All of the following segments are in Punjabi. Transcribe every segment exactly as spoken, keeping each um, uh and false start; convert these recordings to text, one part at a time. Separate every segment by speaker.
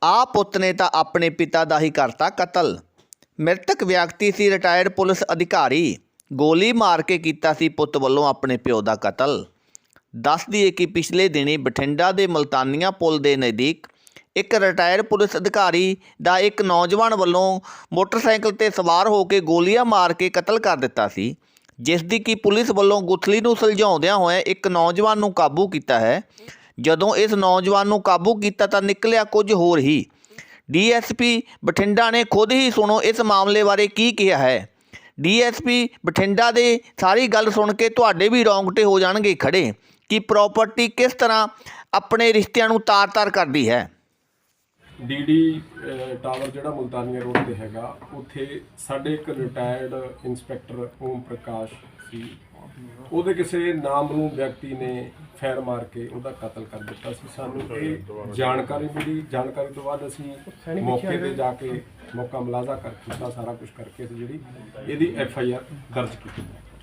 Speaker 1: ਆ ਪੁੱਤ ਨੇ ਤਾਂ ਆਪਣੇ ਪਿਤਾ ਦਾ ਹੀ ਕਰਤਾ ਕਤਲ। ਮ੍ਰਿਤਕ ਵਿਅਕਤੀ ਸੀ ਰਿਟਾਇਰਡ ਪੁਲਿਸ ਅਧਿਕਾਰੀ। ਗੋਲੀ ਮਾਰ ਕੇ ਕੀਤਾ ਸੀ ਪੁੱਤ ਵੱਲੋਂ ਆਪਣੇ ਪਿਓ ਦਾ ਕਤਲ। ਦੱਸ ਦਈਏ ਕਿ ਪਿਛਲੇ ਦਿਨੀ ਬਠਿੰਡਾ ਦੇ ਮੁਲਤਾਨੀਆਂ ਪੁਲ ਦੇ ਨਜ਼ਦੀਕ ਇੱਕ ਰਿਟਾਇਰਡ ਪੁਲਿਸ ਅਧਿਕਾਰੀ ਦਾ ਇੱਕ ਨੌਜਵਾਨ ਵੱਲੋਂ ਮੋਟਰਸਾਈਕਲ 'ਤੇ ਸਵਾਰ ਹੋ ਕੇ ਗੋਲੀਆਂ ਮਾਰ ਕੇ ਕਤਲ ਕਰ ਦਿੱਤਾ ਸੀ, ਜਿਸ ਦੀ ਕਿ ਪੁਲਿਸ ਵੱਲੋਂ ਗੁੱਥਲੀ ਨੂੰ ਸੁਲਝਾਉਂਦਿਆਂ ਹੋਇਆ ਇੱਕ ਨੌਜਵਾਨ ਨੂੰ ਕਾਬੂ ਕੀਤਾ ਹੈ। ਜਦੋਂ ਇਸ ਨੌਜਵਾਨ ਨੂੰ ਕਾਬੂ ਕੀਤਾ ਤਾਂ ਨਿਕਲਿਆ ਕੁਝ ਹੋਰ ਹੀ। ਡੀ ਐਸ ਪੀ ਬਠਿੰਡਾ ਨੇ ਖੁਦ ਹੀ ਸੁਣੋ ਇਸ ਮਾਮਲੇ ਬਾਰੇ ਕੀ ਕਿਹਾ ਹੈ। ਡੀ ਐਸ ਪੀ ਬਠਿੰਡਾ ਦੇ ਸਾਰੀ ਗੱਲ ਸੁਣ ਕੇ ਤੁਹਾਡੇ ਵੀ ਰੌਂਗਟੇ ਹੋ ਜਾਣਗੇ ਖੜੇ ਕਿ ਪ੍ਰੋਪਰਟੀ ਕਿਸ ਤਰ੍ਹਾਂ ਆਪਣੇ ਰਿਸ਼ਤਿਆਂ ਨੂੰ ਤਾਰ-ਤਾਰ ਕਰਦੀ ਹੈ।
Speaker 2: ਡੀ ਡੀ ਟਾਵਰ ਜਿਹੜਾ ਮੁਲਤਾਨੀਆ ਰੋਡ ਤੇ ਹੈਗਾ, ਉੱਥੇ ਸਾਡੇ ਇੱਕ ਰਿਟਾਇਰਡ ਇੰਸਪੈਕਟਰ ਓਮ ਪ੍ਰਕਾਸ਼ ਸੀ, ਉਹਦੇ ਕਿਸੇ ਨਾਮਰੂ ਵਿਅਕਤੀ ਨੇ ਫੈਰ ਮਾਰ ਕੇ ਉਹਦਾ ਕਤਲ ਕਰ ਦਿੱਤਾ ਸੀ। ਸਾਨੂੰ ਇਹ ਜਾਣਕਾਰੀ ਮਿਲੀ। ਜਾਣਕਾਰੀ ਤੋਂ ਬਾਅਦ ਅਸੀਂ ਮੌਕੇ 'ਤੇ ਜਾ ਕੇ ਮੌਕਾ ਮੁਲਾਜ਼ਾ ਕਰ ਕੀਤਾ, ਸਾਰਾ ਕੁਝ ਕਰਕੇ ਅਸੀਂ ਜਿਹੜੀ ਇਹਦੀ ਐਫ ਆਈ ਆਰ ਦਰਜ ਕੀਤੀ।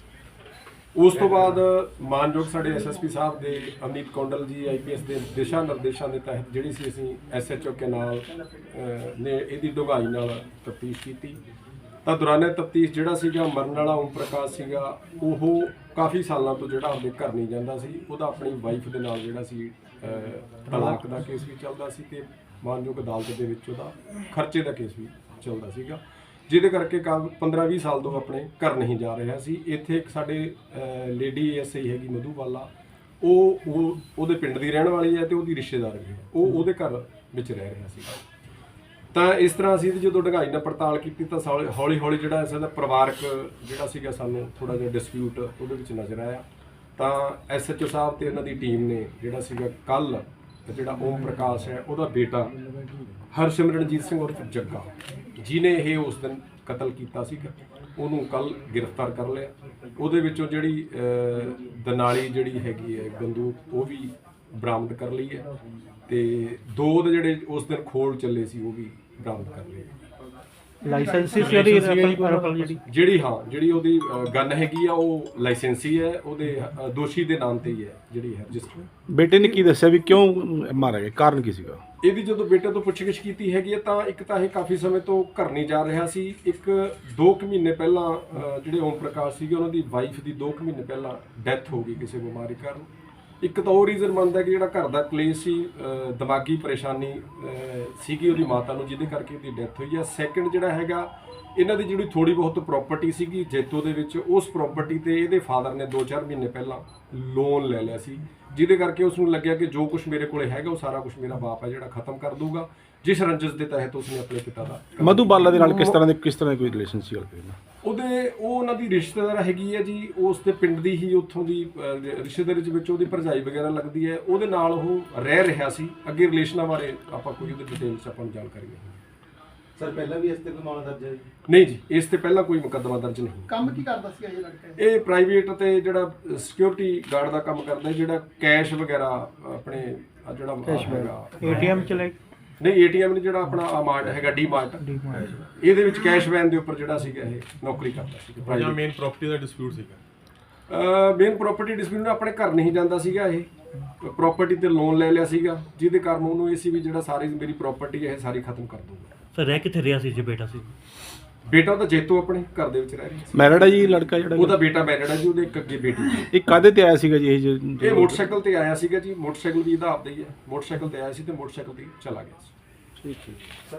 Speaker 2: ਉਸ ਤੋਂ ਬਾਅਦ ਮਾਨਯੋਗ ਸਾਡੇ ਐਸ ਐਸ ਪੀ ਸਾਹਿਬ ਦੇ ਅਮਨੀਤ ਕੌਂਡਲ ਜੀ ਆਈ ਪੀ ਐਸ ਦੇ ਦਿਸ਼ਾ ਨਿਰਦੇਸ਼ਾਂ ਦੇ ਤਹਿਤ ਜਿਹੜੀ ਸੀ ਅਸੀਂ ਐਸ ਐਚ ਓ ਕੇ ਨਾਲ ਨੇ ਇਹਦੀ ਡੂੰਘਾਈ ਨਾਲ ਤਫਤੀਸ਼ ਕੀਤੀ ਤਾਂ ਦੌਰਾਨੇ ਤਫਤੀਸ਼ ਜਿਹੜਾ ਸੀਗਾ ਮਰਨ ਵਾਲਾ ਓਮ ਪ੍ਰਕਾਸ਼ ਸੀਗਾ, ਉਹ ਕਾਫੀ ਸਾਲਾਂ ਤੋਂ ਜਿਹੜਾ ਆਪਣੇ ਘਰ ਨਹੀਂ ਜਾਂਦਾ ਸੀ। ਉਹਦਾ ਆਪਣੀ ਵਾਈਫ ਦੇ ਨਾਲ ਜਿਹੜਾ ਸੀ ਤਲਾਕ ਦਾ ਕੇਸ ਵੀ ਚੱਲਦਾ ਸੀ ਤੇ ਮਾਨਯੋਗ ਅਦਾਲਤ ਦੇ ਵਿੱਚ ਉਹਦਾ ਖਰਚੇ ਦਾ ਕੇਸ ਵੀ ਚੱਲਦਾ ਸੀਗਾ, ਜਿਹਦੇ ਕਰਕੇ ਪੰਦਰਾਂ ਵੀਹ ਸਾਲ ਤੋਂ ਆਪਣੇ ਘਰ ਨਹੀਂ ਜਾ ਰਿਹਾ ਸੀ। ਇੱਥੇ ਇੱਕ ਸਾਡੇ ਲੇਡੀ ਐਸ ਆਈ ਹੈਗੀ ਮਧੂਬਾਲਾ, ਉਹ ਉਹ ਉਹਦੇ ਪਿੰਡ ਦੀ ਰਹਿਣ ਵਾਲੀ ਹੈ ਤੇ ਉਹਦੀ ਰਿਸ਼ਤੇਦਾਰ ਵੀ ਹੈ, ਉਹ ਉਹਦੇ ਘਰ ਵਿੱਚ ਰਹਿ ਰਿਹਾ ਸੀ। ਤਾਂ ਇਸ ਤਰ੍ਹਾਂ ਅਸੀਂ ਜਦੋਂ ਡੂੰਘਾਈ ਨਾਲ ਪੜਤਾਲ ਕੀਤੀ ਤਾਂ ਹੌਲੀ ਹੌਲੀ ਜਿਹੜਾ ਇਸ ਦਾ ਪਰਿਵਾਰਕ ਜਿਹੜਾ ਸੀਗਾ ਸਾਨੂੰ ਥੋੜ੍ਹਾ ਜਿਹਾ ਡਿਸਪਿਊਟ ਉਹਦੇ ਵਿੱਚ ਨਜ਼ਰ ਆਇਆ। ਤਾਂ ਐਸ ਐਚ ਓ ਸਾਹਿਬ ਤੇ ਉਹਨਾਂ ਦੀ ਟੀਮ ਨੇ ਜਿਹੜਾ ਸੀਗਾ ਕੱਲ੍ਹ ਜਿਹੜਾ ਓਮ ਪ੍ਰਕਾਸ਼ ਹੈ ਉਹਦਾ ਬੇਟਾ ਹਰਸਿਮਰਨਜੀਤ ਸਿੰਘ ਉਰਫ ਜੱਗਾ, ਜਿਹਨੇ ਇਹ ਉਸ ਦਿਨ ਕਤਲ ਕੀਤਾ ਸੀਗਾ, ਉਹਨੂੰ ਕੱਲ੍ਹ ਗ੍ਰਿਫਤਾਰ ਕਰ ਲਿਆ। ਉਹਦੇ ਵਿੱਚੋਂ ਜਿਹੜੀ ਦਨਾਲੀ ਜਿਹੜੀ ਹੈਗੀ ਹੈ ਬੰਦੂਕ ਉਹ ਵੀ ਬਰਾਮਦ ਕਰ ਲਈ ਹੈ ਤੇ ਦੋ ਦੇ ਜਿਹੜੇ ਉਸ ਦਿਨ ਖੋਲ ਚੱਲੇ ਸੀ ਉਹ ਵੀ ਬਰਾਮਦ ਕਰ ਲਈ।
Speaker 3: ਲਾਇਸੈਂਸੀ ਜਿਹੜੀ
Speaker 2: ਜਿਹੜੀ ਹਾਂ ਜਿਹੜੀ ਉਹਦੀ ਗਨ ਹੈਗੀ ਆ ਉਹ ਲਾਇਸੈਂਸੀ ਹੈ, ਉਹਦੇ ਦੋਸ਼ੀ ਦੇ ਨਾਮ ਤੇ ਹੀ ਹੈ ਜਿਹੜੀ ਹੈ ਰਜਿਸਟਰ।
Speaker 3: ਬੇਟੇ ਨੇ ਕੀ ਦੱਸਿਆ ਵੀ ਕਿਉਂ ਮਾਰਿਆ ਗਿਆ, ਕਾਰਨ ਕੀ ਸੀਗਾ?
Speaker 2: ਇਹਦੀ ਜਦੋਂ ਬੇਟੇ ਤੋਂ ਪੁੱਛਗਿੱਛ ਕੀਤੀ ਹੈਗੀ ਹੈ ਤਾਂ ਇੱਕ ਤਾਂ ਇਹ ਕਾਫੀ ਸਮੇਂ ਤੋਂ ਘਰ ਨਹੀਂ ਜਾ ਰਿਹਾ ਸੀ। ਇੱਕ ਦੋ ਕੁ ਮਹੀਨੇ ਪਹਿਲਾਂ ਜਿਹੜੇ ਓਮ ਪ੍ਰਕਾਸ਼ ਸੀਗੇ ਉਹਨਾਂ ਦੀ ਵਾਈਫ ਦੀ ਦੋ ਕੁ ਮਹੀਨੇ ਪਹਿਲਾਂ ਡੈਥ ਹੋ ਗਈ ਕਿਸੇ ਬਿਮਾਰੀ ਕਾਰਨ। ਇੱਕ ਤਾਂ ਉਹ ਰੀਜ਼ਨ ਬਣਦਾ ਕਿ ਜਿਹੜਾ ਘਰ ਦਾ ਕਲੇਸ਼ ਸੀ, ਦਿਮਾਗੀ ਪਰੇਸ਼ਾਨੀ ਸੀਗੀ ਉਹਦੀ ਮਾਤਾ ਨੂੰ, ਜਿਹਦੇ ਕਰਕੇ ਉਹਦੀ ਡੈਥ ਹੋਈ ਹੈ। ਸੈਕਿੰਡ ਜਿਹੜਾ ਹੈਗਾ ਇਹਨਾਂ ਦੀ ਜਿਹੜੀ ਥੋੜ੍ਹੀ ਬਹੁਤ ਪ੍ਰਾਪਰਟੀ ਸੀਗੀ ਜੈਤੋ ਦੇ ਵਿੱਚ, ਉਸ ਪ੍ਰਾਪਰਟੀ ਤੇ ਇਹਦੇ ਫਾਦਰ ਨੇ ਦੋ ਚਾਰ ਮਹੀਨੇ ਪਹਿਲਾਂ ਲੋਨ ਲੈ ਲਿਆ ਸੀ, ਜਿਹਦੇ ਕਰਕੇ ਉਸ ਨੂੰ ਲੱਗਿਆ ਕਿ ਜੋ ਕੁਝ ਮੇਰੇ ਕੋਲੇ ਹੈਗਾ ਉਹ ਸਾਰਾ ਕੁਝ ਮੇਰਾ ਬਾਪ ਹੈ ਜਿਹੜਾ ਖਤਮ ਕਰ ਦੂਗਾ, ਜਿਸ ਰੰਜਿਸ਼ ਦੇ ਤਹਿਤ ਉਸਨੇ ਆਪਣੇ ਪਿਤਾ ਦਾ।
Speaker 3: ਮਧੂਬਾਲਾ ਦੇ ਨਾਲ ਕਿਸ ਤਰ੍ਹਾਂ ਦੇ ਕਿਸ ਤਰ੍ਹਾਂ ਦੀ ਕੋਈ ਰਿਲੇਸ਼ਨ ਸੀ?
Speaker 2: ਉਹਦੇ ਉਹ ਉਹਨਾਂ ਦੀ ਰਿਸ਼ਤੇਦਾਰ ਹੈਗੀ ਹੈ ਜੀ, ਉਸ ਦੇ ਪਿੰਡ ਦੀ ਹੀ, ਉੱਥੋਂ ਦੀ ਰਿਸ਼ਤੇਦਾਰੀ ਦੇ ਵਿੱਚ ਉਹਦੀ ਭਰਜਾਈ ਵਗੈਰਾ ਲੱਗਦੀ ਹੈ, ਉਹਦੇ ਨਾਲ ਉਹ ਰਹਿ ਰਿਹਾ ਸੀ। ਅੱਗੇ ਰਿਲੇਸ਼ਨਾਂ ਬਾਰੇ ਆਪਾਂ ਕੋਈ ਉਹਦੇ ਡਿਟੇਲਸ ਆਪਾਂ ਨੂੰ ਜਾਣਕਾਰੀ ਨਹੀਂ।
Speaker 4: ਸਰ ਪਹਿਲਾਂ ਵੀ ਇਸ ਤੇ ਕੋਈ ਮਾਮਲਾ ਦਰਜ ਹੈ?
Speaker 2: ਨਹੀਂ ਜੀ, ਇਸ ਤੇ ਪਹਿਲਾਂ ਕੋਈ ਮੁਕੱਦਮਾ ਦਰਜ ਨਹੀਂ।
Speaker 4: ਕੰਮ ਕੀ ਕਰਦਾ ਸੀ ਇਹ ਲੜਕਾ?
Speaker 2: ਇਹ ਪ੍ਰਾਈਵੇਟ ਤੇ ਜਿਹੜਾ ਸਿਕਿਉਰਿਟੀ ਗਾਰਡ ਦਾ ਕੰਮ ਕਰਦਾ, ਜਿਹੜਾ ਕੈਸ਼ ਵਗੈਰਾ ਆਪਣੇ ਜਿਹੜਾ ਹੈਗਾ
Speaker 3: ਏ ਟੀ ਐਮ ਚਲੇ
Speaker 2: ਨਹੀਂ ਏ ਟੀ ਐਮ ਨਹੀਂ, ਜਿਹੜਾ ਆਪਣਾ ਮਾਰਟ ਹੈਗਾ ਡੀ ਮਾਰਟ, ਇਹਦੇ ਵਿੱਚ ਕੈਸ਼ ਵੈਨ ਦੇ ਉੱਪਰ ਜਿਹੜਾ ਸੀਗਾ ਇਹ ਨੌਕਰੀ ਕਰਦਾ ਸੀ।
Speaker 5: ਜਾਂ ਮੇਨ ਪ੍ਰਾਪਰਟੀ ਦਾ ਡਿਸਪਿਊਟ ਸੀਗਾ?
Speaker 2: ਮੇਨ ਪ੍ਰਾਪਰਟੀ ਡਿਸਪਿਊਟ ਆਪਣੇ ਘਰ ਨਹੀਂ ਜਾਂਦਾ ਸੀਗਾ, ਇਹ ਪ੍ਰਾਪਰਟੀ ਤੇ ਲੋਨ ਲੈ ਲਿਆ ਸੀਗਾ, ਜਿਹਦੇ ਕਾਰਨ ਉਹਨੂੰ ਇਹ ਸੀ ਵੀ ਜਿਹੜਾ ਸਾਰੀ ਮੇਰੀ ਪ੍ਰਾਪਰਟੀ ਹੈ ਇਹ ਸਾਰੀ ਖਤਮ ਕਰ ਦੂੰਗਾ।
Speaker 6: ਸਰ ਰਹਿ ਕਿੱਥੇ ਰਿਹਾ ਸੀ ਜੇ ਬੇਟਾ ਸੀ?
Speaker 2: ਬੇਟਾ ਤਾਂ ਜੇਤੂ ਆਪਣੇ ਘਰ ਦੇ ਵਿੱਚ ਰਹਿ ਰਿਹਾ ਸੀ।
Speaker 3: ਮੈਰਿਡ ਹੈ ਜੀ ਲੜਕਾ ਜਿਹੜਾ?
Speaker 2: ਉਹਦਾ ਬੇਟਾ ਮੈਰਿਡ ਹੈ ਜੀ, ਉਹਦੇ ਇੱਕ ਅੱਗੇ ਬੇਟੀ ਹੈ।
Speaker 3: ਇਹ ਕਾਹਦੇ ਤੇ ਆਇਆ ਸੀਗਾ ਜੀ? ਇਹ
Speaker 2: ਇਹ ਮੋਟਰਸਾਈਕਲ ਤੇ ਆਇਆ ਸੀਗਾ ਜੀ, ਮੋਟਰਸਾਈਕਲ ਵੀ ਇਹਦਾ ਆਪਦਾ ਹੀ ਹੈ। ਮੋਟਰਸਾਈਕਲ ਤੇ ਆਇਆ ਸੀ ਤੇ ਮੋਟਰਸਾਈਕਲ ਤੇ ਚਲਾ ਗਿਆ ਸੀ।
Speaker 3: ਠੀਕ ਠੀਕ।